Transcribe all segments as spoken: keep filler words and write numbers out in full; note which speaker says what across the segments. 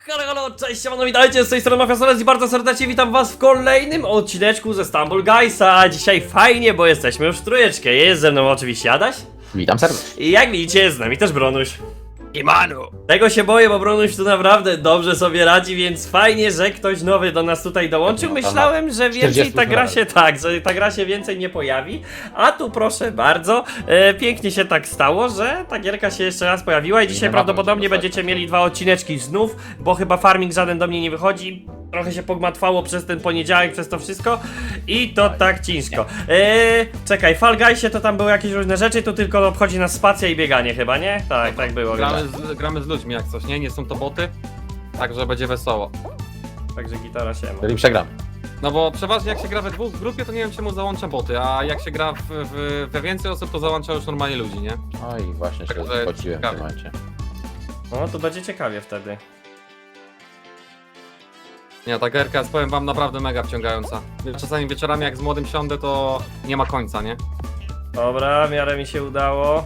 Speaker 1: Halo, halo, cześć, siemano, witajcie, z tej strony Mafia Solec i bardzo serdecznie witam was w kolejnym odcineczku ze Stumble Guysa. Dzisiaj fajnie, bo jesteśmy już w trójeczkę. Jest ze mną oczywiście Adaś.
Speaker 2: Witam serdecznie.
Speaker 1: I jak widzicie, jest z nami też Bronuś. Imanu. Tego się boję, bo Bronuś tu naprawdę dobrze sobie radzi, więc fajnie, że ktoś nowy do nas tutaj dołączył. Myślałem, że więcej ta gra się tak, że ta gra się więcej nie pojawi. A tu proszę bardzo, e, pięknie się tak stało, że ta gierka się jeszcze raz pojawiła i dzisiaj prawdopodobnie będziecie mieli dwa odcineczki znów, bo chyba farming żaden do mnie nie wychodzi. Trochę się pogmatwało przez ten poniedziałek, przez to wszystko i to tak ciężko. Eee, czekaj, Fall Guysie to tam były jakieś różne rzeczy, tu tylko obchodzi nas spacja i bieganie chyba, nie? Tak, tak było.
Speaker 3: Gramy z, gramy z ludźmi jak coś, nie? Nie są to boty, także będzie wesoło.
Speaker 1: Także gitara się ma.
Speaker 2: Czyli przegram.
Speaker 3: No bo przeważnie jak się gra we dwóch w grupie, to nie wiem czemu załącza boty, a jak się gra w, w, we więcej osób, to załącza już normalnie ludzi, nie?
Speaker 2: No i właśnie się
Speaker 3: Także
Speaker 2: zgodziłem w tym
Speaker 3: ciekawe.
Speaker 2: momencie.
Speaker 1: No, tu będzie ciekawie wtedy.
Speaker 3: Nie, ta gierka jest, powiem wam, naprawdę mega wciągająca. Czasami wieczorami jak z młodym siądę, to nie ma końca, nie?
Speaker 1: Dobra, w miarę mi się udało.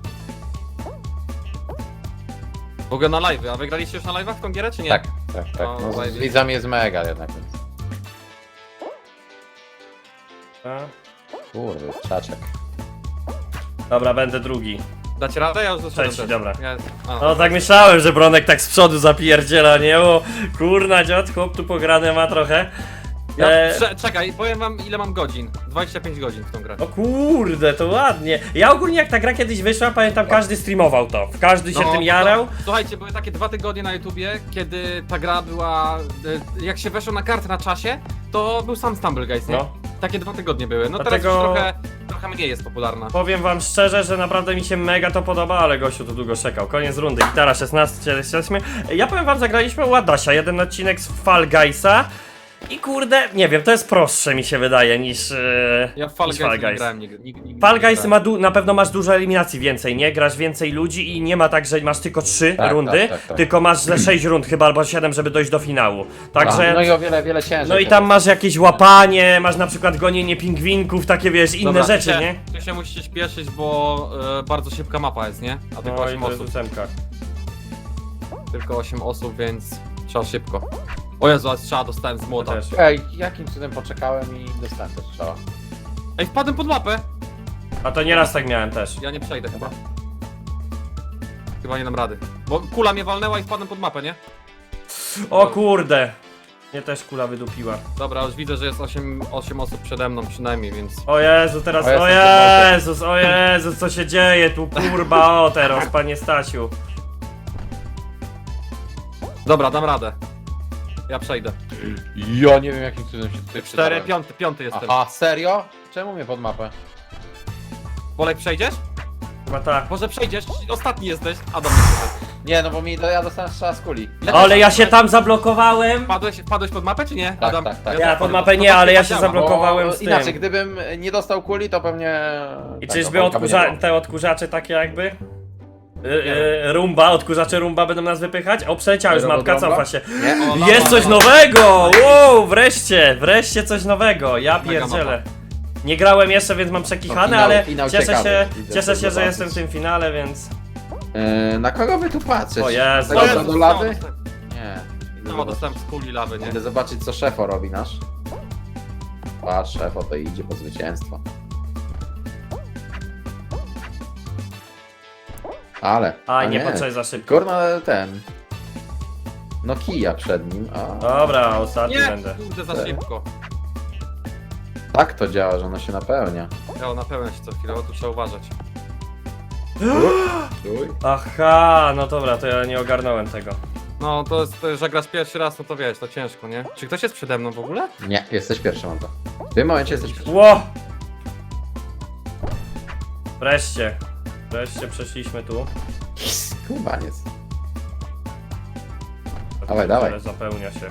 Speaker 3: W ogóle na live'y, a wygraliście już na live'ach w tą gierę, czy nie?
Speaker 2: Tak, tak, tak.
Speaker 3: No,
Speaker 2: No, z
Speaker 3: zajebiście.
Speaker 2: widzami jest mega jednak, więc...
Speaker 1: A.
Speaker 2: Kurde, czaczek.
Speaker 1: Dobra, będę drugi.
Speaker 3: Dacie radę? Ja już doszedłem
Speaker 1: Trzeci,
Speaker 3: też.
Speaker 1: dobra.
Speaker 3: Ja... A,
Speaker 1: No tak myślałem, że Bronek tak z przodu zapierdziela, nie? O, kurna dziad, chłop tu pograne ma trochę.
Speaker 3: ja,
Speaker 1: E,
Speaker 3: cze- czekaj, powiem wam ile mam godzin. dwadzieścia pięć godzin w tą grę.
Speaker 1: O kurde, to ładnie. Ja ogólnie jak ta gra kiedyś wyszła, pamiętam każdy streamował to. Każdy się
Speaker 3: No,
Speaker 1: tym
Speaker 3: to-
Speaker 1: jarał.
Speaker 3: Słuchajcie, były takie dwa tygodnie na YouTubie, kiedy ta gra była, e, jak się weszło na kartę na czasie, to był sam Stumble Guys, nie?
Speaker 1: No.
Speaker 3: Takie dwa tygodnie były, no
Speaker 1: Dlatego-
Speaker 3: teraz już trochę, trochę mniej jest popularna.
Speaker 1: Powiem wam szczerze, że naprawdę mi się mega to podoba, ale gościu tu długo czekał. Koniec rundy, gitara szesnaście, jesteśmy. Ja powiem wam, zagraliśmy u Adasia, jeden odcinek z Fall Guysa. I kurde, nie wiem, to jest prostsze mi się wydaje niż, e,
Speaker 3: Ja w Fall
Speaker 1: niż
Speaker 3: Guys
Speaker 1: Fall
Speaker 3: nie
Speaker 1: Guys.
Speaker 3: grałem nigdy. nigdy, nigdy
Speaker 1: Fall
Speaker 3: nie
Speaker 1: Guys
Speaker 3: grałem.
Speaker 1: ma du- na pewno masz dużo eliminacji więcej, nie? Grasz więcej ludzi i nie ma tak, że masz tylko trzy
Speaker 2: Tak,
Speaker 1: rundy,
Speaker 2: tak, tak, tak.
Speaker 1: tylko masz ze sześć rund chyba albo siedem, żeby dojść do finału. Także...
Speaker 2: No i o wiele, wiele ciężej.
Speaker 1: No i tam masz jakieś łapanie, masz na przykład gonienie pingwinków, takie wiesz, inne
Speaker 3: Dobra,
Speaker 1: rzeczy,
Speaker 3: ty się,
Speaker 1: nie?
Speaker 3: Ty się musicie śpieszyć, bo e, bardzo szybka mapa jest, nie? A tylko
Speaker 1: No i
Speaker 3: osiem
Speaker 1: to jest
Speaker 3: osób.
Speaker 1: ósemka.
Speaker 3: Tylko osiem osób, więc trzeba szybko. O Jezu, ale strzała dostałem z młota.
Speaker 1: Też.
Speaker 2: Ej, jakim cudem poczekałem i dostałem też strzała.
Speaker 3: Ej, wpadłem pod mapę!
Speaker 1: A to nieraz tak miałem też.
Speaker 3: Ja nie przejdę chyba. Chyba nie dam rady. Bo kula mnie walnęła i wpadłem pod mapę, nie?
Speaker 1: O kurde! Mnie też kula wydupiła.
Speaker 3: Dobra, już widzę, że jest osiem, osiem osób przede mną przynajmniej, więc...
Speaker 1: O Jezu, teraz,
Speaker 2: O, ja
Speaker 1: o
Speaker 2: jestem
Speaker 1: Jezus, o Jezus, co się dzieje tu, kurba, o teraz, panie Stasiu.
Speaker 3: Dobra, dam radę. Ja przejdę.
Speaker 2: Ja nie wiem jakim cudem się tutaj
Speaker 3: Cztery,
Speaker 2: przydałem.
Speaker 3: piąty, piąty jestem.
Speaker 2: Aha, serio? Czemu mnie pod mapę?
Speaker 3: Bolek, przejdziesz?
Speaker 1: Chyba tak.
Speaker 3: Może przejdziesz? Ostatni jesteś. A dobra.
Speaker 2: Nie, no bo mi, ja dostałem strzała z kuli.
Speaker 1: Ale ja się tam zablokowałem.
Speaker 3: Wpadłeś, wpadłeś pod mapę, czy nie?
Speaker 2: Tak,
Speaker 3: Adam?
Speaker 2: tak, tak.
Speaker 1: Ja
Speaker 3: też
Speaker 1: pod
Speaker 3: wpadłem.
Speaker 1: mapę
Speaker 3: No
Speaker 1: nie,
Speaker 3: to
Speaker 1: ale ja
Speaker 3: chyba
Speaker 1: się
Speaker 3: działa.
Speaker 1: zablokowałem.
Speaker 2: Bo
Speaker 1: z tym.
Speaker 2: inaczej, gdybym nie dostał kuli, to pewnie...
Speaker 1: I
Speaker 2: tak,
Speaker 1: czyżby
Speaker 2: no, Bolka by nie
Speaker 1: odkurza
Speaker 2: było.
Speaker 1: te odkurzacze takie jakby? Y, y, rumba, odkurzacze rumba będą nas wypychać? O, przeleciała już
Speaker 2: Rumba,
Speaker 1: mapka,
Speaker 2: rumba?
Speaker 1: cofa się.
Speaker 2: Nie?
Speaker 3: O, no,
Speaker 1: Jest
Speaker 3: no,
Speaker 1: coś
Speaker 3: no.
Speaker 1: nowego! Wow, wreszcie, wreszcie coś nowego, ja
Speaker 3: Mega
Speaker 1: pierdzielę. Nie grałem jeszcze, więc mam przekichane,
Speaker 2: No, finał-
Speaker 1: ale
Speaker 2: finał
Speaker 1: cieszę
Speaker 2: ciekawy.
Speaker 1: się,
Speaker 2: Widzę,
Speaker 1: cieszę
Speaker 2: co
Speaker 1: się, że
Speaker 2: zobaczyć.
Speaker 1: jestem w tym finale, więc...
Speaker 2: Yy, na kogo wy tu patrzycie?
Speaker 1: O Jezu.
Speaker 2: Tego
Speaker 3: O
Speaker 2: do-
Speaker 3: Jezu,
Speaker 2: do lawy?
Speaker 3: dostałem-
Speaker 2: Nie. Idę
Speaker 3: No,
Speaker 2: zobaczyć.
Speaker 3: dostałem z kuli lawy, nie?
Speaker 2: Idę zobaczyć, co szefo robi nasz. Patrz, szefo to idzie po zwycięstwo. Ale.
Speaker 1: A, nie, poczekaj za szybko.
Speaker 2: Kurna, ten. No kija przed nim. A,
Speaker 1: Dobra, ostatni
Speaker 3: Nie,
Speaker 1: będę.
Speaker 3: kurde, za
Speaker 2: Tak.
Speaker 3: szybko.
Speaker 2: tak to działa, że ono się napełnia.
Speaker 3: Ja na pełen się co chwilę, bo tu trzeba uważać.
Speaker 2: Uj.
Speaker 1: Aha, no dobra, to ja nie ogarnąłem tego.
Speaker 3: No, to jest, to, że grasz pierwszy raz, no to wiesz, to ciężko, nie? Czy ktoś jest przede mną w ogóle?
Speaker 2: Nie, jesteś pierwszy, mam to. W tym momencie jesteś pierwszy.
Speaker 1: Ło! Wreszcie. Wreszcie przeszliśmy tu.
Speaker 2: Kubaniec. Dawaj, dawaj.
Speaker 1: Ale zapełnia się.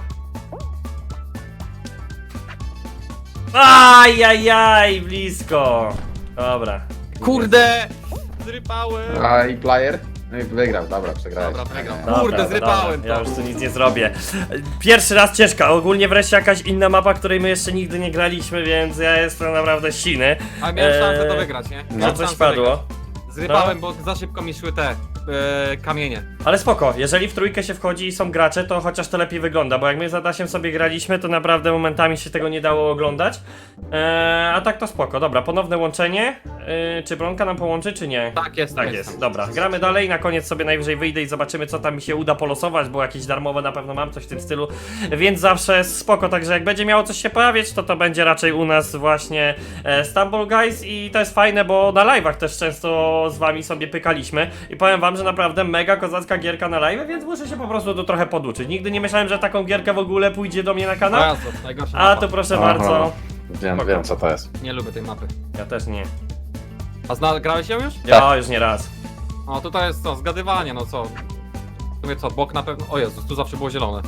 Speaker 1: Ajajaj, blisko. Dobra.
Speaker 3: Kurde! Zrypałem!
Speaker 2: A i player? No i wygrał, dobra, przegrałeś.
Speaker 3: Dobra, wygrał.
Speaker 2: Nie,
Speaker 1: Dobra,
Speaker 3: Kurde,
Speaker 1: dobra,
Speaker 3: zrypałem
Speaker 1: dobra. Ja
Speaker 3: to.
Speaker 1: już tu nic nie zrobię. Pierwszy raz ciężka, ogólnie wreszcie jakaś inna mapa, której my jeszcze nigdy nie graliśmy, więc ja jestem naprawdę siny.
Speaker 3: A miałem
Speaker 1: Eee,
Speaker 3: szansę to wygrać, nie?
Speaker 2: no
Speaker 3: Miałem
Speaker 1: Że coś
Speaker 3: szansę wygrać.
Speaker 1: padło.
Speaker 3: Zrypałem, bo za szybko mi szły te e, kamienie.
Speaker 1: Ale spoko, jeżeli w trójkę się wchodzi i są gracze, to chociaż to lepiej wygląda, bo jak my z Adasiem sobie graliśmy, to naprawdę momentami się tego nie dało oglądać. Eee, a tak to spoko, dobra, ponowne łączenie. Eee, czy Bronka nam połączy, czy nie?
Speaker 3: Tak jest,
Speaker 1: Tak jest, dobra, gramy dalej, na koniec sobie najwyżej wyjdę i zobaczymy, co tam mi się uda polosować, bo jakieś darmowe na pewno mam, coś w tym stylu, więc zawsze spoko, także jak będzie miało coś się pojawiać, to to będzie raczej u nas właśnie e, Stumble Guys i to jest fajne, bo na live'ach też często z wami sobie pykaliśmy i powiem wam, że naprawdę mega kozacka gierka na live, więc muszę się po prostu tu trochę poduczyć. Nigdy nie myślałem, że taką gierkę w ogóle pójdzie do mnie na kanał,
Speaker 3: Bardzo, najgorsza
Speaker 1: a
Speaker 3: mapa.
Speaker 1: to proszę
Speaker 2: Aha.
Speaker 1: bardzo,
Speaker 2: Wiem, wiem co to jest.
Speaker 3: Nie lubię tej mapy.
Speaker 1: ja też nie,
Speaker 3: A zna, grałeś ją już?
Speaker 1: ja już nie raz.
Speaker 3: O, tutaj jest co, zgadywanie, no co? W sumie co, bok na pewno... O Jezus, tu zawsze było zielone.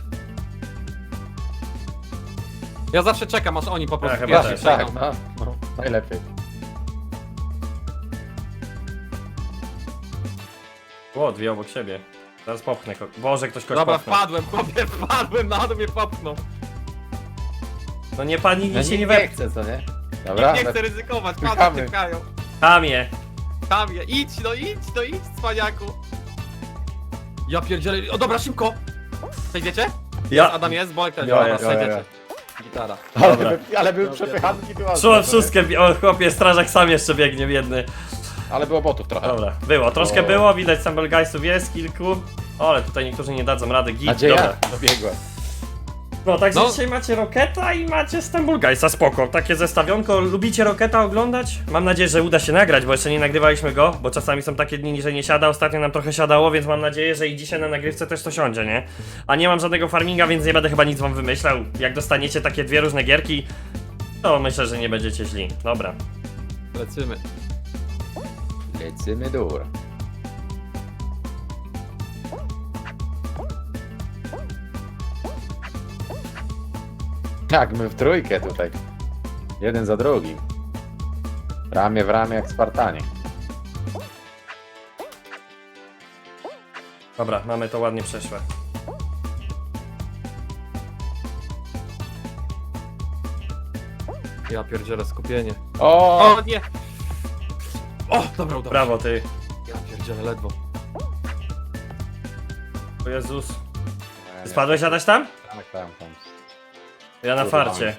Speaker 3: Ja zawsze czekam, aż oni po prostu
Speaker 1: Ja chyba
Speaker 3: pierwsi
Speaker 1: też.
Speaker 3: przejdą.
Speaker 2: Tak, no, no, najlepiej.
Speaker 1: O, dwie obok siebie. Zaraz popchnę. ko- Boże, ktoś kogoś
Speaker 3: Dobra,
Speaker 1: popchnął.
Speaker 3: wpadłem, chłopie, wpadłem, na dół mnie popchnął.
Speaker 1: No nie pani,
Speaker 2: Ja
Speaker 1: nic się nie
Speaker 2: nie
Speaker 1: we...
Speaker 2: chcę, co nie? Dobra,
Speaker 3: Nie
Speaker 2: ale-
Speaker 3: chcę ryzykować,
Speaker 2: Czekamy.
Speaker 3: padły tykają.
Speaker 1: Kamie.
Speaker 3: Kamie, idź, no idź, no idź, cwaniaku. Ja pierdzielę, o dobra, szybko. Przejdziecie?
Speaker 1: Ja...
Speaker 3: Adam jest, Bolek też,
Speaker 1: Ja
Speaker 3: dobra,
Speaker 1: jest,
Speaker 2: ja, ja,
Speaker 3: przejdziecie. Gitara.
Speaker 2: ale,
Speaker 1: Dobra.
Speaker 2: by, ale były przepychanki, była
Speaker 1: Szło wszystkie, o chłopie, strażak sam jeszcze biegnie, biedny.
Speaker 2: Ale było botów trochę.
Speaker 1: Dobra, było, troszkę
Speaker 2: O.
Speaker 1: było, widać Stumble Guysów jest kilku. O, ale tutaj niektórzy nie dadzą rady, git,
Speaker 2: Nadzieja
Speaker 1: dobra.
Speaker 2: dobiegła.
Speaker 1: No, także
Speaker 3: No.
Speaker 1: dzisiaj macie Roketa i macie Stumble Guysa, spoko. Takie zestawionko, lubicie Roketa oglądać? Mam nadzieję, że uda się nagrać, bo jeszcze nie nagrywaliśmy go, bo czasami są takie dni, że nie siada, ostatnio nam trochę siadało, więc mam nadzieję, że i dzisiaj na nagrywce też to siądzie, nie? A nie mam żadnego farminga, więc nie będę chyba nic wam wymyślał. Jak dostaniecie takie dwie różne gierki, to myślę, że nie będziecie źli. Dobra.
Speaker 3: Lecimy.
Speaker 2: Lecimy dur. Tak, my w trójkę tutaj. Jeden za drugim. Ramię w ramię jak Spartanie.
Speaker 1: Dobra, mamy to ładnie przeszłe.
Speaker 3: Ja pierdzielę skupienie.
Speaker 2: O!
Speaker 3: O nie! O, dobra, udało
Speaker 1: Brawo ty.
Speaker 3: się. Ja pierdzielę ledwo.
Speaker 1: O Jezus. Spadłeś Adaś tam?
Speaker 2: Tak, tam, tam.
Speaker 1: Ja na
Speaker 2: Kurwa.
Speaker 1: farcie.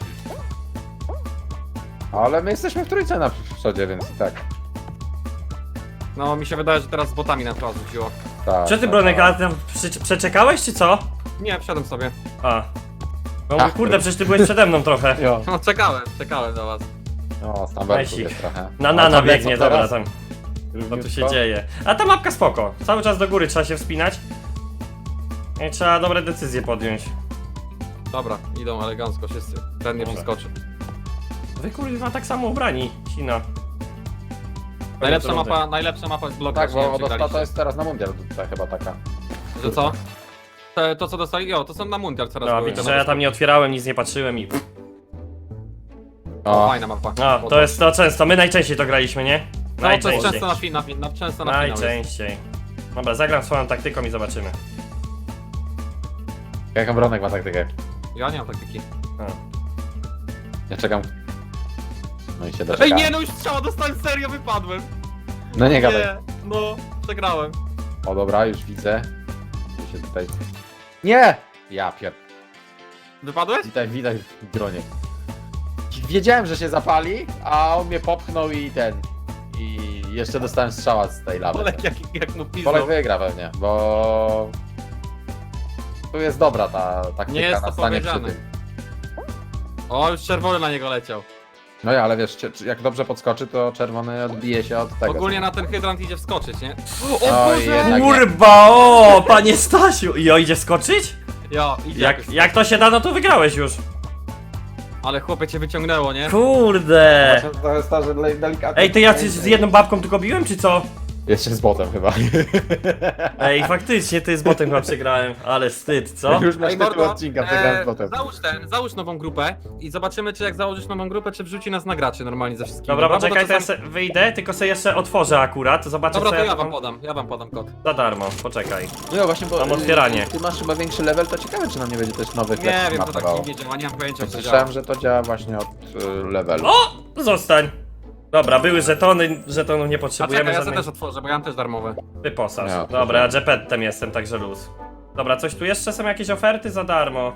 Speaker 2: Ale my jesteśmy w trójce na przodzie, więc i tak.
Speaker 3: No, mi się wydaje, że teraz z botami na to rzuciło.
Speaker 2: tak
Speaker 1: Czy ty
Speaker 2: tak,
Speaker 1: Bronek,
Speaker 2: tak.
Speaker 1: a tam prze- przeczekałeś czy co?
Speaker 3: Nie, wszedłem sobie.
Speaker 1: A. No
Speaker 2: Ach,
Speaker 1: kurde,
Speaker 2: ty.
Speaker 1: przecież ty byłeś przede mną trochę.
Speaker 2: Jo.
Speaker 3: No, czekałem, czekałem na was.
Speaker 2: No, Stamberku
Speaker 1: Najsik.
Speaker 2: jest trochę.
Speaker 1: Na
Speaker 2: A
Speaker 1: nana
Speaker 2: co wie,
Speaker 1: biegnie,
Speaker 2: co
Speaker 1: dobra
Speaker 2: teraz?
Speaker 1: tam. Co tu się
Speaker 2: Równiutko?
Speaker 1: dzieje? A ta mapka spoko. Cały czas do góry trzeba się wspinać. I trzeba dobre decyzje podjąć.
Speaker 3: Dobra, idą elegancko wszyscy. Ten nie
Speaker 1: Dobra.
Speaker 3: przeskoczy.
Speaker 1: Wy kurwa tak samo ubrani. Sina.
Speaker 3: Najlepsza
Speaker 1: Koniec rundy.
Speaker 3: mapa, najlepsza mapa jest blok.
Speaker 2: Tak, bo od ostatnio to jest teraz na mundial tutaj chyba taka.
Speaker 3: Że co? Te, to co dostali, jo, to są na mundial teraz
Speaker 1: No
Speaker 3: były
Speaker 1: widzisz,
Speaker 3: te
Speaker 1: że ja
Speaker 3: mapy.
Speaker 1: tam nie otwierałem, nic nie patrzyłem i...
Speaker 3: O,
Speaker 2: O,
Speaker 3: fajna mapa.
Speaker 1: No, to jest to często, my najczęściej to graliśmy, nie?
Speaker 3: No, to jest
Speaker 1: Najczęściej.
Speaker 3: często na finał, na, często na finał jest.
Speaker 1: Najczęściej. Dobra, zagram swoją taktyką i zobaczymy.
Speaker 2: jaką Bronek ma taktykę?
Speaker 3: Ja nie mam taktyki.
Speaker 1: A.
Speaker 2: Ja czekam. No i się doczekałem.
Speaker 3: Ej, nie, no już strzała dostałem, serio wypadłem.
Speaker 2: No nie gadaj.
Speaker 3: Nie, no, przegrałem.
Speaker 2: O dobra, już widzę. Tu się tutaj... Nie! Ja pier...
Speaker 3: Wypadłeś?
Speaker 2: Tutaj widać w dronie. Wiedziałem, że się zapali, a on mnie popchnął i ten... I jeszcze dostałem strzała z tej lawy.
Speaker 3: Olek jak, jak mu piznął.
Speaker 2: Polek wygra pewnie, bo... Tu jest dobra ta taktyka
Speaker 3: Nie jest
Speaker 2: na
Speaker 3: to
Speaker 2: stanie przy
Speaker 3: powiedziane.
Speaker 2: tym.
Speaker 3: O, już czerwony na niego leciał.
Speaker 2: No ja, ale wiesz, cie- jak dobrze podskoczy, to czerwony odbije się od tego.
Speaker 3: Ogólnie na ten hydrant idzie wskoczyć, nie?
Speaker 2: O
Speaker 3: Boże!
Speaker 2: jednak nie.
Speaker 1: Kurwa, o, panie Stasiu! I o, idzie skoczyć?
Speaker 3: Jo, idzie
Speaker 1: Jak,
Speaker 3: jakoś.
Speaker 1: jak to się da, no to wygrałeś już.
Speaker 3: Ale chłopie cię wyciągnęło, nie?
Speaker 1: Kurde.
Speaker 2: To jest to, że delikatnie...
Speaker 1: Ej, to ja z z jedną babką tylko biłem, czy co?
Speaker 2: Jeszcze z botem chyba.
Speaker 1: Ej, faktycznie, ty z botem chyba przegrałem, ale wstyd, co?
Speaker 2: Już masz
Speaker 3: Ej,
Speaker 2: tytuł
Speaker 3: Mordo,
Speaker 2: odcinka, przegrałem z
Speaker 3: e,
Speaker 2: botem.
Speaker 3: załóż ten, załóż nową grupę i zobaczymy, czy jak założysz nową grupę, czy wrzuci nas na graczy normalnie ze wszystkimi.
Speaker 1: Dobra,
Speaker 3: bo
Speaker 1: poczekaj, to ja
Speaker 3: czasami-
Speaker 1: se wyjdę, tylko sobie jeszcze otworzę akurat, zobaczę
Speaker 3: Dobra,
Speaker 1: co
Speaker 3: to
Speaker 1: ja
Speaker 3: ja wam
Speaker 1: tam-
Speaker 3: podam, ja wam podam kod.
Speaker 1: Za darmo, poczekaj.
Speaker 2: No właśnie, bo
Speaker 1: Mam otwieranie.
Speaker 2: Ty masz chyba większy level, to ciekawe, czy nam nie będzie też nowych
Speaker 3: Nie
Speaker 2: lepszych
Speaker 3: wiem, to tak
Speaker 2: matowało.
Speaker 3: dziwnie działa, nie mam pojęcia, jak to działa.
Speaker 2: Słyszałem, że to działa właśnie od y, levelu.
Speaker 1: O! Zostań! Dobra, były żetony, żetonów nie
Speaker 3: A
Speaker 1: potrzebujemy
Speaker 3: czekaj, ja sobie
Speaker 1: żadnej...
Speaker 3: też otworzę, bo ja mam też darmowe.
Speaker 1: Wyposaż.
Speaker 2: Ja,
Speaker 1: Dobra, ja
Speaker 2: proszę.
Speaker 1: Jepettem jestem, także luz. Dobra, coś tu jeszcze są jakieś oferty za darmo.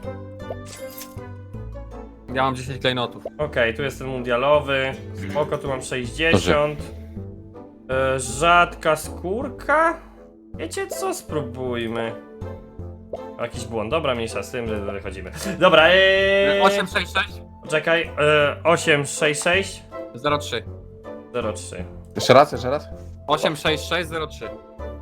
Speaker 3: Ja mam dziesięć klejnotów.
Speaker 1: Okej, tu jest ten mundialowy. Spoko, tu mam sześćdziesiąt. E, rzadka skórka? Wiecie co? Spróbujmy. Jakiś błąd. Dobra, mniejsza z tym, że wychodzimy. Dobra, eee...
Speaker 3: osiem sześć sześć
Speaker 1: Czekaj, e, osiem sześć sześć
Speaker 3: zero trzy.
Speaker 1: zero trzy.
Speaker 2: Jeszcze raz, jeszcze raz?
Speaker 3: osiem sześć sześć zero trzy.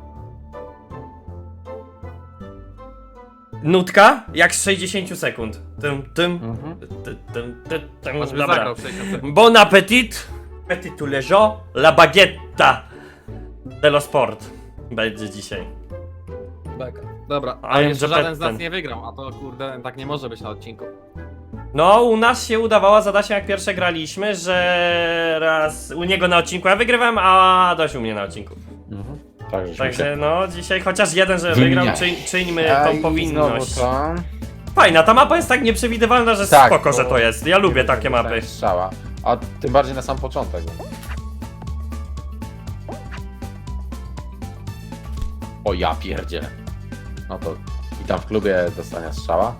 Speaker 1: Nutka? Jak z sześćdziesiąt sekund. Tym, tym,
Speaker 2: Mhm.
Speaker 1: tym, tym, tym, tym.
Speaker 3: Choćby
Speaker 1: Dobra.
Speaker 3: zagrał sześćdziesiąt sekund.
Speaker 1: Bon appetit. Petit tu leżo, la baguetta. Dello sport. Będzie dzisiaj.
Speaker 3: Dobra,
Speaker 1: A
Speaker 3: a
Speaker 1: ja
Speaker 3: jeszcze
Speaker 1: że
Speaker 3: żaden z
Speaker 1: petten.
Speaker 3: nas nie wygrał, a to kurde, tak nie może być na odcinku.
Speaker 1: No, u nas się udawało zadać, jak pierwsze graliśmy, że raz u niego na odcinku ja wygrywam, a Dość u mnie na odcinku.
Speaker 2: Mhm. Tak, żeśmy
Speaker 1: Także
Speaker 2: się...
Speaker 1: no, dzisiaj chociaż jeden, że wygrał,
Speaker 2: Wymieniaj.
Speaker 1: czyń, czyńmy
Speaker 2: A
Speaker 1: tą
Speaker 2: i
Speaker 1: powinność.
Speaker 2: znowu to.
Speaker 1: Fajna, ta mapa jest tak nieprzewidywalna, że
Speaker 2: Tak,
Speaker 1: spoko, że
Speaker 2: bo-
Speaker 1: to jest. Ja lubię takie mapy.
Speaker 2: Strzała. A tym bardziej na sam początek. O ja pierdzielę. No to i tam w klubie dostania strzała.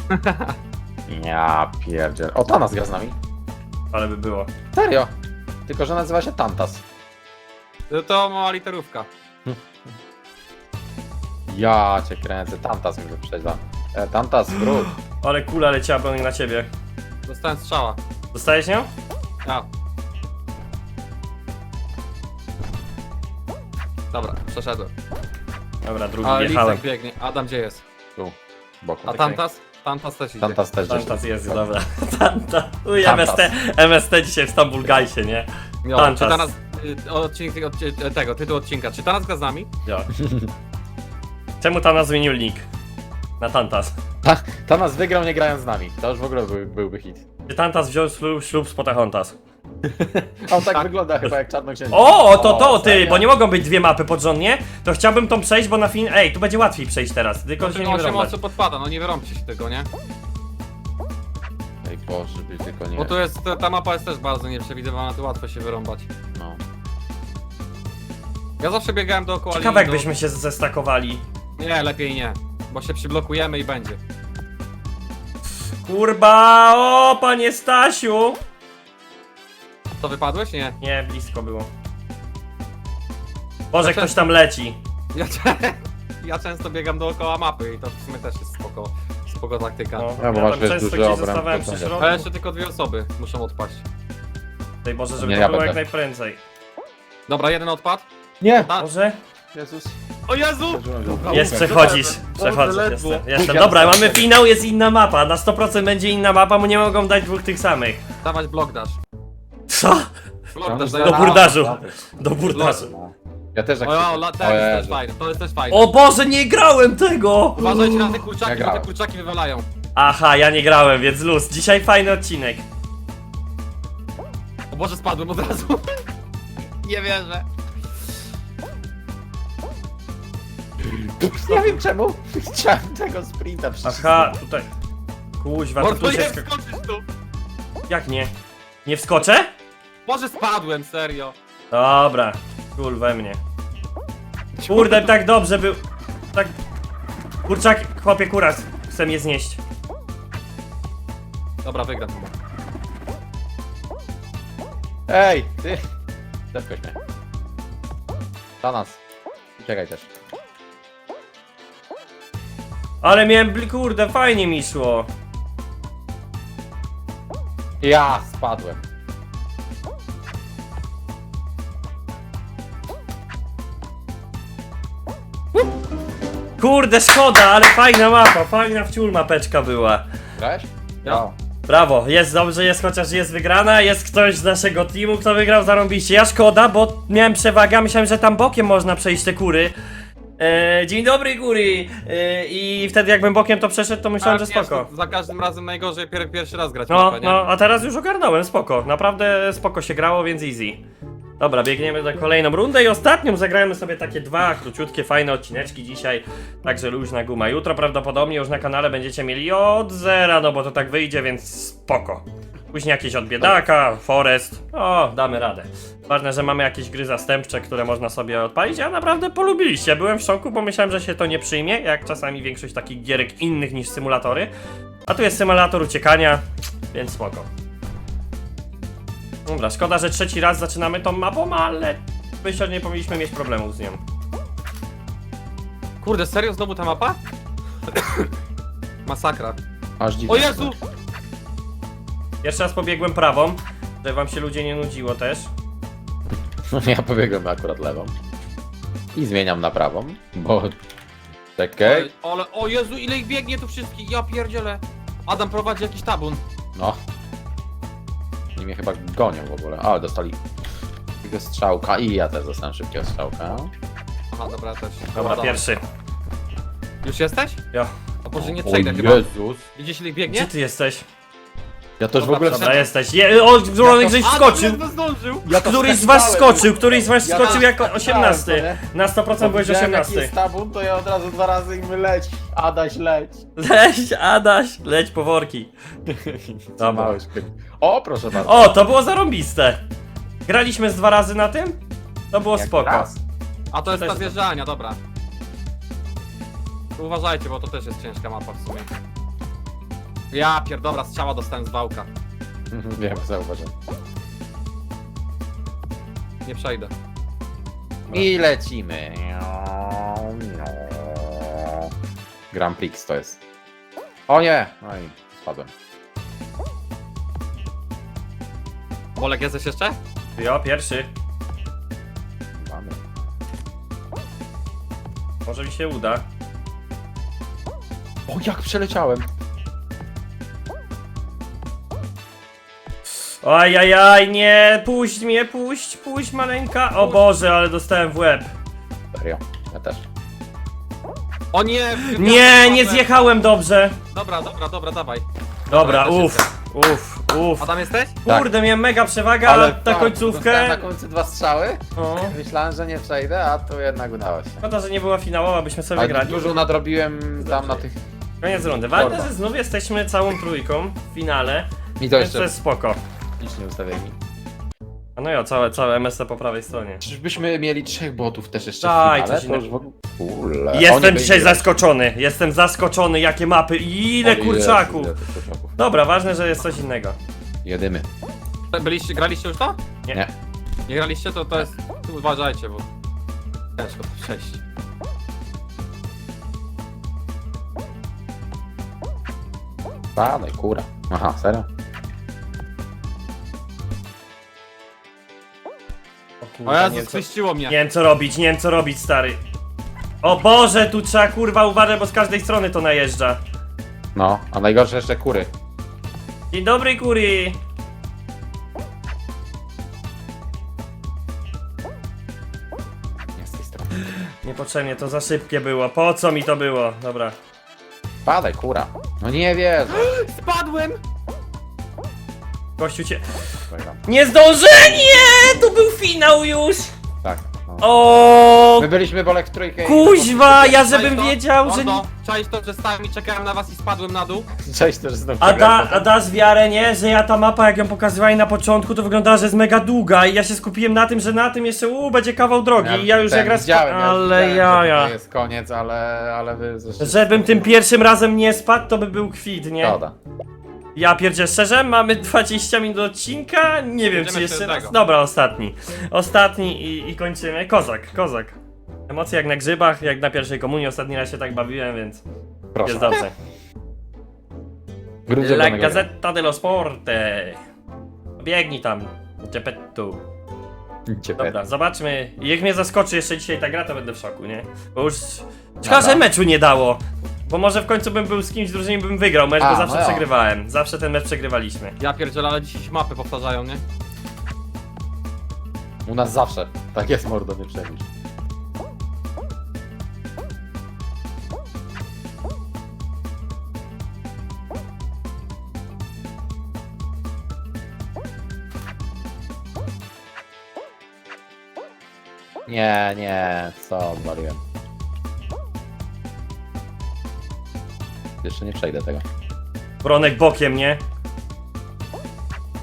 Speaker 2: Ja pierdzielę. O, Tanas gra z nami.
Speaker 1: Ale by było.
Speaker 2: Serio. Tylko, że nazywa się Tantas.
Speaker 3: No to mała literówka.
Speaker 2: Ja cię kręcę. Tantas mi wyprzedza. E, Tantas, wróć.
Speaker 1: Ale kula leciała pełnie na ciebie.
Speaker 3: Dostałem strzała.
Speaker 1: Dostajesz nią?
Speaker 3: A. Dobra, przeszedłem.
Speaker 1: Dobra, drugi
Speaker 3: A
Speaker 1: wjechałem.
Speaker 3: Lisek biegnie. Adam gdzie jest?
Speaker 2: Tu, z boku.
Speaker 3: A Tantas? Tantas też idzie.
Speaker 2: Tantas też gdzieś.
Speaker 1: Tantas jest, dobra. Tanta. Uj,
Speaker 2: Tantas.
Speaker 1: M S T, M S T dzisiaj w Stambul Gajsie, nie?
Speaker 3: Jo,
Speaker 1: Tantas.
Speaker 3: czy Tanas... y, Odcinek, od, y, tego, tytuł odcinka. Czy Tanas gra z nami?
Speaker 1: Ja. Czemu Tanas zmienił link? Na Tantas.
Speaker 2: Ta, Tanas wygrał nie grając z nami. To już w ogóle był, byłby hit.
Speaker 1: Czy Tantas wziął ślub, ślub z Potahontas?
Speaker 2: On tak wygląda chyba jak czarnoksiężnik.
Speaker 1: O, to to, ty,
Speaker 2: serio?
Speaker 1: bo nie mogą być dwie mapy porządnie. To chciałbym tą przejść, bo na fin... Ej, tu będzie łatwiej przejść teraz, tylko się nie
Speaker 3: osiem
Speaker 1: wyrąbać.
Speaker 3: osób podpada, no nie wyrąbcie się tego, nie?
Speaker 2: Ej Boże, by tylko nie...
Speaker 3: Bo tu jest, ta, ta mapa jest też bardzo nieprzewidywalna, tu łatwo się wyrąbać.
Speaker 2: No.
Speaker 3: Ja zawsze biegałem dookoła
Speaker 1: Ciekawe
Speaker 3: linii do-
Speaker 1: jakbyśmy się zestakowali.
Speaker 3: Nie, lepiej nie. Bo się przyblokujemy i będzie.
Speaker 1: Kurba, o, panie Stasiu!
Speaker 3: To wypadłeś? Nie.
Speaker 1: Nie, blisko było. Boże,
Speaker 3: Znaczy-
Speaker 1: ktoś tam leci.
Speaker 3: Ja, cze- ja często biegam dookoła mapy i to w sumie też jest spoko, spoko taktyka.
Speaker 1: No,
Speaker 2: Ja, bo
Speaker 1: ja
Speaker 2: masz,
Speaker 1: tam
Speaker 2: wiesz,
Speaker 1: często
Speaker 2: duży
Speaker 1: gdzieś
Speaker 2: obręb,
Speaker 1: zostawałem
Speaker 2: to
Speaker 1: przy
Speaker 2: nie.
Speaker 1: środku.
Speaker 3: Ale jeszcze tylko dwie osoby muszą odpaść.
Speaker 1: Daj Boże, żeby
Speaker 2: Nie,
Speaker 1: to
Speaker 2: ja
Speaker 1: było
Speaker 2: będę.
Speaker 1: jak najprędzej.
Speaker 3: Dobra, jeden odpad.
Speaker 2: Nie!
Speaker 3: A,
Speaker 1: Boże?
Speaker 2: Jezus.
Speaker 3: o Jezu! Dobra,
Speaker 1: Jest,
Speaker 3: Łukasz,
Speaker 1: przechodzisz.
Speaker 3: Boże,
Speaker 1: Przechodzisz,
Speaker 3: ledwo.
Speaker 1: jestem. jestem.
Speaker 2: Ja
Speaker 1: Dobra,
Speaker 2: dostałem
Speaker 1: mamy
Speaker 2: sobie.
Speaker 1: finał, jest inna mapa. Na sto procent będzie inna mapa, bo nie mogą dać dwóch tych samych.
Speaker 3: Dawać blok dasz.
Speaker 1: Co?
Speaker 3: Blok dasz,
Speaker 1: Do
Speaker 3: daję.
Speaker 1: burdażu. Do burdażu.
Speaker 2: Ja też tak
Speaker 3: O, o,
Speaker 2: krzyczę.
Speaker 3: la,
Speaker 2: O
Speaker 3: ten jest też
Speaker 2: Jezu.
Speaker 3: fajny, to jest też fajne.
Speaker 1: O Boże, nie grałem tego!
Speaker 3: Uważajcie na te kurczaki,
Speaker 2: Ja
Speaker 3: bo te
Speaker 2: grałem.
Speaker 3: kurczaki wywalają.
Speaker 1: Aha, ja nie grałem, więc luz. Dzisiaj fajny odcinek.
Speaker 3: O Boże, spadłem od razu. Nie wierzę.
Speaker 2: Nie wiem czemu. Chciałem tego sprinta przycisnąć.
Speaker 1: Aha, tutaj. Kuźwa, to
Speaker 3: Mordo,
Speaker 1: tu
Speaker 3: nie
Speaker 1: się... skak-
Speaker 3: wskoczysz tu.
Speaker 1: Jak nie? Nie wskoczę?
Speaker 3: Boże, spadłem, serio.
Speaker 1: Dobra, kul we mnie. Kurde, tak dobrze był. Tak. Kurczak, chłopie, kuras. Chcę je znieść.
Speaker 3: Dobra, wygram chyba.
Speaker 2: Ej, ty! Zepkoś mnie. Tanas. Czekaj też.
Speaker 1: Ale miałem, bl- kurde, fajnie mi szło.
Speaker 2: Ja spadłem.
Speaker 1: Kurde, szkoda, ale fajna mapa, fajna wciul mapeczka była.
Speaker 2: Grałeś?
Speaker 3: Ja.
Speaker 1: Brawo, jest dobrze, jest chociaż jest wygrana, jest ktoś z naszego teamu, kto wygrał, zarąbiście. Ja szkoda, bo miałem przewagę, a myślałem, że tam bokiem można przejść te kury. E, dzień dobry, góry! E, I wtedy jakbym bokiem to przeszedł, to myślałem, że
Speaker 3: Tak, wiesz,
Speaker 1: spoko.
Speaker 3: to za każdym razem najgorzej pier pierwszy raz grać
Speaker 1: No,
Speaker 3: mapę, nie?
Speaker 1: no, a teraz już ogarnąłem, spoko. Naprawdę spoko się grało, więc easy. Dobra, biegniemy do kolejną rundę i ostatnią zagrajmy sobie takie dwa króciutkie, fajne odcineczki dzisiaj. Także luźna guma. Jutro prawdopodobnie już na kanale będziecie mieli od zera, no bo to tak wyjdzie, więc spoko. Później jakieś od biedaka, forest. O, damy radę. Ważne, że mamy jakieś gry zastępcze, które można sobie odpalić, a naprawdę polubiliście. Byłem w szoku, bo myślałem, że się to nie przyjmie, jak czasami większość takich gierek innych niż symulatory. A tu jest symulator uciekania, więc spoko. Dobra, szkoda, że trzeci raz zaczynamy tą mapą, ale myślę, że nie powinniśmy mieć problemów z nią.
Speaker 3: Kurde, serio znowu ta mapa? Masakra.
Speaker 2: Aż dziwne.
Speaker 3: O Jezu!
Speaker 1: Jeszcze raz pobiegłem prawą, żeby wam się ludzie nie nudziło też.
Speaker 2: No ja pobiegłem akurat lewą. I zmieniam na prawą, bo... Czekaj.
Speaker 3: Ale, ale, o Jezu, ile ich biegnie tu wszystkich, ja pierdzielę. Adam prowadzi jakiś tabun.
Speaker 2: No. I mnie chyba gonią w ogóle. Ale dostali szybkiego strzałka i ja też dostałem szybkiego strzałka.
Speaker 3: Aha, dobra, ja też.
Speaker 1: Dobra, pierwszy.
Speaker 3: Już jesteś?
Speaker 1: Jo.
Speaker 3: O Boże, nie
Speaker 2: O
Speaker 3: przejdę chyba.
Speaker 2: Jezus.
Speaker 3: Widzisz ile ich
Speaker 1: Gdzie
Speaker 3: biegnie?
Speaker 1: ty jesteś?
Speaker 2: Ja też w
Speaker 3: Dobra,
Speaker 2: ogóle...
Speaker 1: Dobra, jesteś. Je, o, Bronek żeś wskoczył!
Speaker 3: Adam zdążył!
Speaker 2: Ja to
Speaker 1: Któryś z was
Speaker 2: wskakałem.
Speaker 1: skoczył, któryś z was
Speaker 2: Ja
Speaker 1: skoczył
Speaker 2: też
Speaker 1: jako
Speaker 2: wskakałem,
Speaker 1: osiemnasty.
Speaker 2: co
Speaker 1: Na sto procent byłeś
Speaker 2: Widziałem, jaki
Speaker 1: osiemnasty.
Speaker 2: jest tabun, to ja od razu dwa razy im leć. Adaś, leć.
Speaker 1: Leć, Adaś, leć po worki. Dobra.
Speaker 2: Mały szpyk. O, proszę bardzo.
Speaker 1: O, to było zarąbiste. Graliśmy z dwa razy na tym? To było
Speaker 2: Jak
Speaker 1: spoko.
Speaker 2: raz.
Speaker 3: A to jest
Speaker 1: To
Speaker 3: ta
Speaker 1: jest-
Speaker 3: zjeżdżalnia, dobra. Uważajcie, bo to też jest ciężka mapa w sumie. Ja pier... dobra, strzała dostałem z wałka.
Speaker 2: Wiem, zauważyłem.
Speaker 3: Nie przejdę.
Speaker 2: I lecimy. Grand Prix to jest. O nie! No i spadłem.
Speaker 3: Bolek, jesteś jeszcze?
Speaker 1: Jo, pierwszy.
Speaker 2: Mamy.
Speaker 1: Może mi się uda.
Speaker 2: O, jak przeleciałem!
Speaker 1: Ajajaj, nie, puść mnie, puść, puść maleńka. O Boże, ale dostałem w łeb.
Speaker 2: Serio, ja też.
Speaker 3: O nie!
Speaker 1: Nie, nie zjechałem dobrze.
Speaker 3: Dobra, dobra, dobra, dawaj.
Speaker 1: Dobra,
Speaker 3: Dobra,
Speaker 1: uff, uff, uff.
Speaker 3: Adam jesteś?
Speaker 1: Kurde, miałem mega przewagę, ale ta
Speaker 2: tak, dostałem
Speaker 1: końcówkę...
Speaker 2: na końcu dwa strzały.
Speaker 1: O,
Speaker 2: Myślałem, że nie przejdę, a tu jednak udało się.
Speaker 1: szkoda, że nie była finałowa, byśmy sobie
Speaker 2: Ale
Speaker 1: wygrali.
Speaker 2: dużo nadrobiłem tam na tych...
Speaker 1: Koniec rundy. Ważne,
Speaker 2: Torba.
Speaker 1: że znów jesteśmy całą trójką w finale,
Speaker 2: I to
Speaker 1: więc
Speaker 2: jeszcze
Speaker 1: to jest spoko.
Speaker 2: licznie ustawieni.
Speaker 1: A no jo, całe, całe M S C po prawej stronie.
Speaker 2: Czyżbyśmy mieli trzech botów też jeszcze
Speaker 1: Daj,
Speaker 2: w finale?
Speaker 1: coś
Speaker 2: To już w ogóle... Ule, oni
Speaker 1: Jestem
Speaker 2: byli-
Speaker 1: dzisiaj zaskoczony, jestem zaskoczony, jakie mapy i ile
Speaker 2: O Jezu,
Speaker 1: kurczaków.
Speaker 2: ile tych kurczaków.
Speaker 1: Dobra, ważne, że jest coś innego.
Speaker 2: Jedymy.
Speaker 3: Byliście, graliście już to?
Speaker 1: Nie.
Speaker 2: Nie.
Speaker 3: Nie graliście, to to jest... Tu uważajcie, bo... Ciężko to przejść.
Speaker 2: Padaj, kura. Aha, serio?
Speaker 1: O
Speaker 3: O
Speaker 1: kurde, nie,
Speaker 3: Jezu,
Speaker 1: wiem, co,
Speaker 3: skryściło mnie.
Speaker 1: nie wiem co robić, nie wiem co robić, stary. O Boże, tu trzeba kurwa uważać, bo z każdej strony to najeżdża.
Speaker 2: No, a najgorsze jeszcze kury.
Speaker 1: Dzień dobry, kury.
Speaker 2: Nie z tej strony.
Speaker 1: Niepotrzebnie, to za szybkie było. Po co mi to było? Dobra.
Speaker 2: Padaj, kura. No nie wierzę.
Speaker 3: Spadłem!
Speaker 1: Gościu cię...
Speaker 2: Przegram.
Speaker 1: Nie zdążę! Nie! Tu był finał już!
Speaker 2: Tak. No.
Speaker 1: O,
Speaker 2: My byliśmy bolek w trójkę. i-
Speaker 1: kuźwa, ja
Speaker 3: Czaisz
Speaker 1: żebym
Speaker 3: to?
Speaker 1: wiedział, że...
Speaker 3: Mordo, czaisz to, że stałem i czekałem na was i spadłem na dół?
Speaker 2: Cześć też znowu.
Speaker 1: A da,
Speaker 2: przegrałem.
Speaker 1: a dasz wiarę, nie? Że ja ta mapa, jak ją pokazywali na początku, to wyglądała, że jest mega długa i ja się skupiłem na tym, że na tym jeszcze uuu, będzie kawał drogi i ja już
Speaker 2: ten
Speaker 1: jak raz...
Speaker 2: widziałem, ja
Speaker 1: ale
Speaker 2: widziałem, że
Speaker 1: jaja.
Speaker 2: To jest koniec, ale, ale wy zresztą...
Speaker 1: Żebym tym pierwszym razem nie spadł, to by był kwit, nie?
Speaker 2: Szkoda.
Speaker 1: Ja pierdzie szczerze, mamy dwadzieścia minut odcinka, nie wiem
Speaker 3: Będziemy
Speaker 1: czy jeszcze
Speaker 3: jeszcze
Speaker 1: raz.
Speaker 3: tego.
Speaker 1: Dobra, ostatni. Ostatni i, i kończymy. Kozak, kozak. Emocje jak na grzybach, jak na pierwszej komunii, ostatni raz się tak bawiłem, więc
Speaker 2: Proszę.
Speaker 1: jest dobrze.
Speaker 2: Grudzień
Speaker 1: La
Speaker 2: danego dnia.
Speaker 1: Gazzetta dello Sporte. Biegnij tam, Geppetto.
Speaker 2: Ciepłe.
Speaker 1: Dobra, zobaczmy. Jak mnie zaskoczy jeszcze dzisiaj ta gra, to będę w szoku, nie? Bo już... Szkoda,
Speaker 2: Dobra.
Speaker 1: że meczu nie dało. Bo może w końcu bym był z kimś w drużynie, bym wygrał mecz,
Speaker 2: A,
Speaker 1: bo zawsze
Speaker 2: no ja.
Speaker 1: przegrywałem. Zawsze ten mecz przegrywaliśmy.
Speaker 3: Ja pierdzielę, ale dzisiaj mapy powtarzają, nie?
Speaker 2: U nas zawsze. Tak jest, mordo, nie przejmuj. Nie, nie, co odwaliłem. Jeszcze nie przejdę tego.
Speaker 1: Bronek bokiem, nie?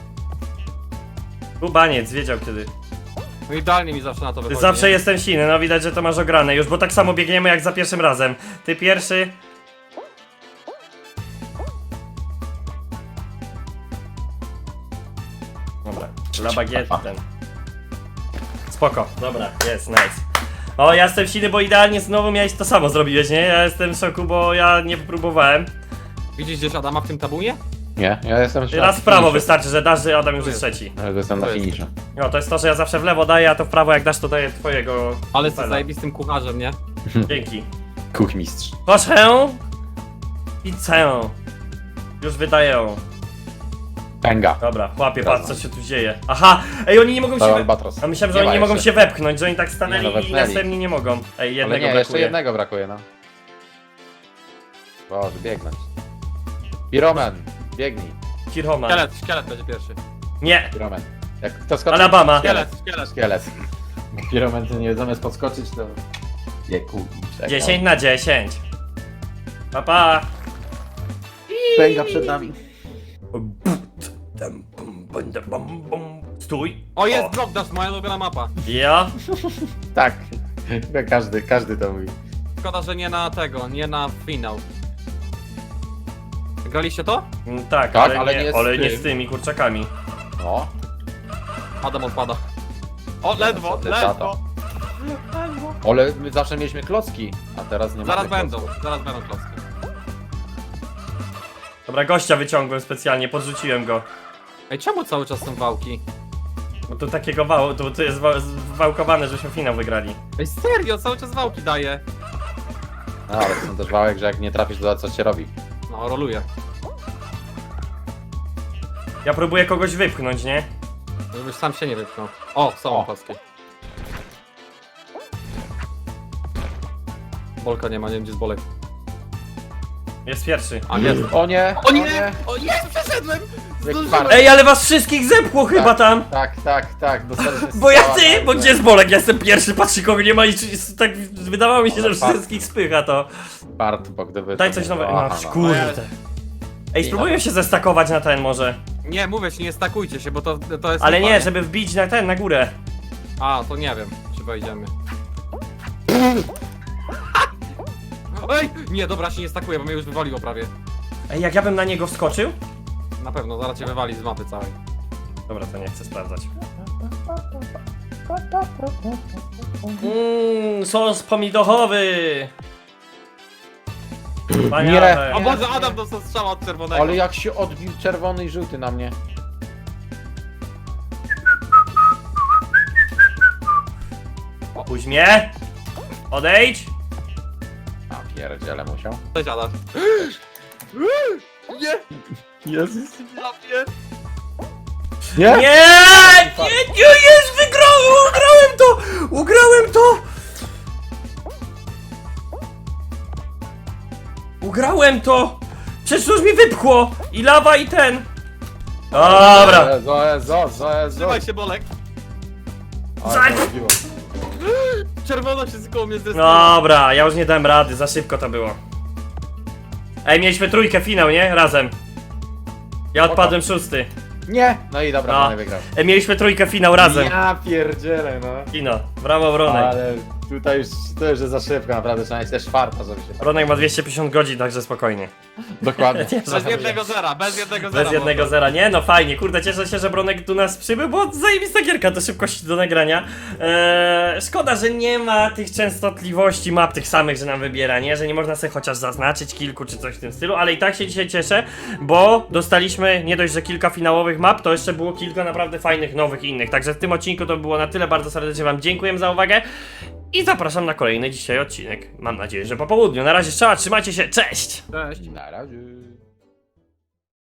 Speaker 1: Kubaniec, wiedział kiedy.
Speaker 3: No idealnie mi zawsze na to
Speaker 1: Ty
Speaker 3: wychodzi.
Speaker 1: zawsze
Speaker 3: nie?
Speaker 1: jestem silny, no widać, że to masz ograne już, bo tak samo biegniemy jak za pierwszym razem. Ty pierwszy. Dobra, dla bagiety ten. Spoko, dobra, jest, nice. O, ja jestem silny, bo idealnie znowu miałeś to samo zrobiłeś, nie? Ja jestem w szoku, bo ja nie próbowałem.
Speaker 3: Widzisz gdzieś Adama w tym tabunie?
Speaker 2: Nie, ja jestem już
Speaker 1: Raz
Speaker 2: na
Speaker 1: w prawo
Speaker 2: finiszu.
Speaker 1: wystarczy, że dasz, że Adam już
Speaker 3: Tu
Speaker 1: jest
Speaker 3: jest.
Speaker 1: trzeci.
Speaker 2: Ja jestem na
Speaker 3: To jest.
Speaker 2: finiszu.
Speaker 1: No, to jest to, że ja zawsze w lewo daję, a to w prawo jak dasz, to daję twojego.
Speaker 3: Ale jesteś
Speaker 1: fela.
Speaker 3: zajebistym kucharzem, nie?
Speaker 1: Dzięki.
Speaker 2: Kuchmistrz.
Speaker 1: Proszę. Pizzę. Już wydaję.
Speaker 2: Pęga.
Speaker 1: Dobra, chłopie,
Speaker 2: Dobra.
Speaker 1: patrz co się tu dzieje. Aha! Ej, oni nie mogą
Speaker 2: To
Speaker 1: się... We...
Speaker 2: albatros.
Speaker 1: A myślałem, że
Speaker 2: Nie
Speaker 1: oni nie
Speaker 2: ma
Speaker 1: mogą
Speaker 2: jeszcze.
Speaker 1: się wepchnąć, że oni tak stanęli
Speaker 2: Nie, no,
Speaker 1: i
Speaker 2: wepchnęli.
Speaker 1: następni nie mogą. Ej,
Speaker 2: Ale
Speaker 1: jednego
Speaker 2: nie, jeszcze
Speaker 1: brakuje.
Speaker 2: jednego brakuje, no. Boże, biegnąć. Piroman, biegnij.
Speaker 1: Kirhoma.
Speaker 3: Szkielet, szkielet będzie pierwszy.
Speaker 1: Nie!
Speaker 2: Piroman. Jak kto skoczy?
Speaker 1: Alabama.
Speaker 3: Szkielet, szkielet.
Speaker 2: Szkielet. Piroman to nie zamiast podskoczyć to... Nie, kuchni.
Speaker 1: dziesięć na dziesięć. Pa, pa.
Speaker 2: Pęga przed nami.
Speaker 1: Stój.
Speaker 3: O, jest Block Dash, moja ulubiona mapa.
Speaker 1: Ja?
Speaker 2: Tak. Każdy, każdy to mówi.
Speaker 3: Szkoda, że nie na tego, nie na finał. Graliście to?
Speaker 1: Mm, Tak,
Speaker 2: Tak,
Speaker 1: ale,
Speaker 2: ale
Speaker 1: nie,
Speaker 2: nie z
Speaker 1: ale nie
Speaker 2: tym.
Speaker 1: z tymi kurczakami.
Speaker 2: No.
Speaker 3: Adam odpada. O, ledwo,
Speaker 2: Niestety,
Speaker 3: ledwo.
Speaker 2: Ale my zawsze mieliśmy klocki, a teraz nie
Speaker 3: Zaraz
Speaker 2: mamy
Speaker 3: będą,
Speaker 2: klocków.
Speaker 3: zaraz będą klocki.
Speaker 1: Dobra, gościa wyciągłem specjalnie, podrzuciłem go.
Speaker 3: Ej, czemu cały czas są wałki?
Speaker 1: Bo to takiego wału, to, to jest wa wałkowane, żeśmy finał wygrali.
Speaker 3: Ej, serio, cały czas wałki daje.
Speaker 2: No, ale są też wałek, że jak nie trafisz, to co się robi.
Speaker 3: No, roluje.
Speaker 1: Ja próbuję kogoś wypchnąć, nie?
Speaker 3: Żebyś sam się nie wypchnął. O, są
Speaker 2: O.
Speaker 3: klocki. Bolka nie ma, nie wiem gdzie jest Bolek.
Speaker 1: Jest pierwszy.
Speaker 3: A, jest.
Speaker 2: O nie!
Speaker 3: O nie! O nie, przeszedłem!
Speaker 2: Jak
Speaker 3: Zdążyłem!
Speaker 2: fart.
Speaker 1: Ej, ale was wszystkich zepchło chyba tam!
Speaker 2: Tak, tak, tak, dostaliśmy
Speaker 1: Bo ja
Speaker 2: strzała
Speaker 1: ty,
Speaker 2: na-
Speaker 1: bo gdzie jest Bolek? Ja jestem pierwszy, patrzcie kogo nie ma i czy- tak wydawało mi się,
Speaker 2: Ale
Speaker 1: że
Speaker 2: fakt.
Speaker 1: wszystkich spycha to.
Speaker 2: Fart, bo gdyby...
Speaker 1: Daj
Speaker 2: to
Speaker 1: coś
Speaker 2: nie
Speaker 1: nowego.
Speaker 2: było-
Speaker 1: No,
Speaker 2: aha, no.
Speaker 1: kurde. Ej, spróbuję się zestakować na ten może.
Speaker 3: Nie, mówię ci, nie stakujcie się, bo to, to jest...
Speaker 1: Ale
Speaker 3: lipa,
Speaker 1: nie, żeby wbić na ten, na górę.
Speaker 3: A, to nie wiem, czy wejdziemy. Ej! Nie, dobra, się nie stakuje, bo mnie już wywaliło prawie.
Speaker 1: Ej, jak ja bym na niego wskoczył?
Speaker 3: Na pewno, zaraz cię wywali z mapy całej.
Speaker 1: Dobra, to nie chcę sprawdzać. Mmm, sos pomidochowy! Wspaniale.
Speaker 3: O Boże, Adam dostał strzała od czerwonego.
Speaker 2: Ale jak się odbił czerwony i żółty na mnie.
Speaker 1: Puść mnie! Odejdź!
Speaker 2: A pierdziele musiał.
Speaker 3: Cześć, Adam. Nie!
Speaker 2: Jezus.
Speaker 3: Ja pier...
Speaker 2: Nie?
Speaker 1: Nie! Nie, nie, jest! Wygrałem! Ugrałem to! Ugrałem to! Ugrałem to! Przecież już mi wypchło! I lawa, i ten! Dobra!
Speaker 2: Jezu, Jezu, Jezu, Jezu.
Speaker 3: Trzymaj się, Bolek.
Speaker 2: Ale
Speaker 1: Zań-
Speaker 2: to odbiło.
Speaker 3: Czerwono się koło mnie zrespiło.
Speaker 1: Dobra, ja już nie dałem rady, za szybko to było. Ej, mieliśmy trójkę finał, nie? Razem. Ja odpadłem szósty.
Speaker 2: Nie! No i dobra,
Speaker 1: No.
Speaker 2: Bronek wygrał.
Speaker 1: Ej, mieliśmy trójkę finał razem.
Speaker 2: Ja pierdzielę, no.
Speaker 1: Kino. Brawo, Bronek.
Speaker 2: Ale tutaj już, to już jest za szybko, naprawdę trzeba mieć też farta, żeby się...
Speaker 1: Bronek ma dwieście pięćdziesiąt godzin, także spokojnie.
Speaker 2: Dokładnie.
Speaker 1: Nie,
Speaker 3: Bez jednego zera, bez jednego zera.
Speaker 1: Bez jednego
Speaker 3: bo-
Speaker 1: zera, nie? No fajnie, kurde, cieszę się, że Bronek tu nas przybył, bo zajebista gierka, to szybkość do nagrania. Eee, szkoda, że nie ma tych częstotliwości map tych samych, że nam wybiera, nie? Że nie można sobie chociaż zaznaczyć kilku czy coś w tym stylu, ale i tak się dzisiaj cieszę, bo dostaliśmy nie dość, że kilka finałowych map, to jeszcze było kilka naprawdę fajnych, nowych i innych. Także w tym odcinku to było na tyle, bardzo serdecznie wam dziękuję za uwagę i zapraszam na kolejny dzisiaj odcinek. Mam nadzieję, że po południu. Na razie strzała, trzymajcie się, cześć!
Speaker 3: Cześć.
Speaker 2: Na razie.